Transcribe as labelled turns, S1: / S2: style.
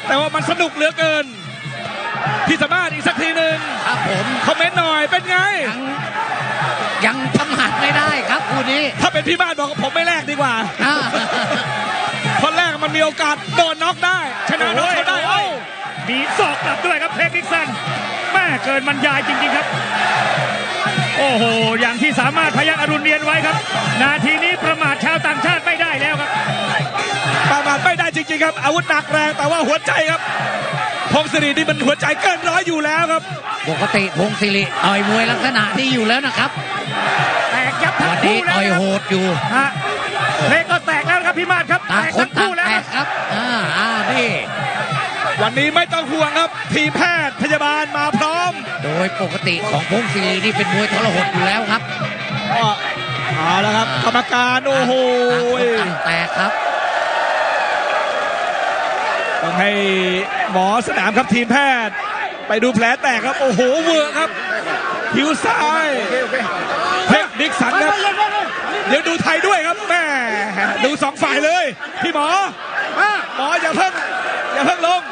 S1: แต่ว่ามันสนุกเหลือเกินพี่สามารถอีกสักทีหนึ่ง
S2: ครับผม
S1: คอมเมนต์หน่อยเป็นไง
S2: ยังประมาทไม่ได้ครับคู่นี้
S1: ถ้าเป็นพี่บ้านบอกผมไม่แลกดีกว่าคนแรกมันมีโอกาสโดนน็อกได้ชนะน็อกเขาได้
S3: มีศอกกลับด้วยครับเทคนิคสันแม่เกินบรรยายจริงๆครับโอ้โหอย่างที่สามารถพยัคฆ์อรุณเรียนไว้ครับนาทีนี้ประมาทชาวต่างชาติไม่ได้แล้วครับ
S1: ประมาทไม่ได้จริงๆครับอาวุธหนักแรงแต่ว่าหัวใจครับพงศิรินี่มันหัวใจเกินร้อยอยู่แล้วครับ
S2: ปกติพงศิริต่อยมวยลักษณะที่อยู่แล้วนะครับ
S3: แตกยับทั้งคู่แล้ว
S2: ต่อยโหดอยู่
S3: เพลงก็แตกแล้วครับพี่มาศครับ
S2: ต่างคนต่างแตกครับนี่
S1: วันนี้ไม่ต้องห่วงครับทีมแพทย์พยาบาลมาพร้อม
S2: โดยปกติของพงศิรินี่เป็นมวยทรหดอยู่แล้วครับ
S1: เอาแล้วครับกรรมการโอ้โห
S2: ต่างแตกครับ
S1: ต้องให้หมอสนามครับทีมแพทย์ไปดูแผลแตกครับโอ้โหเวอร์ครับคิ้วซ้ายเทคนิคสันครับเดี๋ยวดูไทยด้วยครับแม่ดูสองฝ่ายเลยพี่หมออย่าเพิ่งลง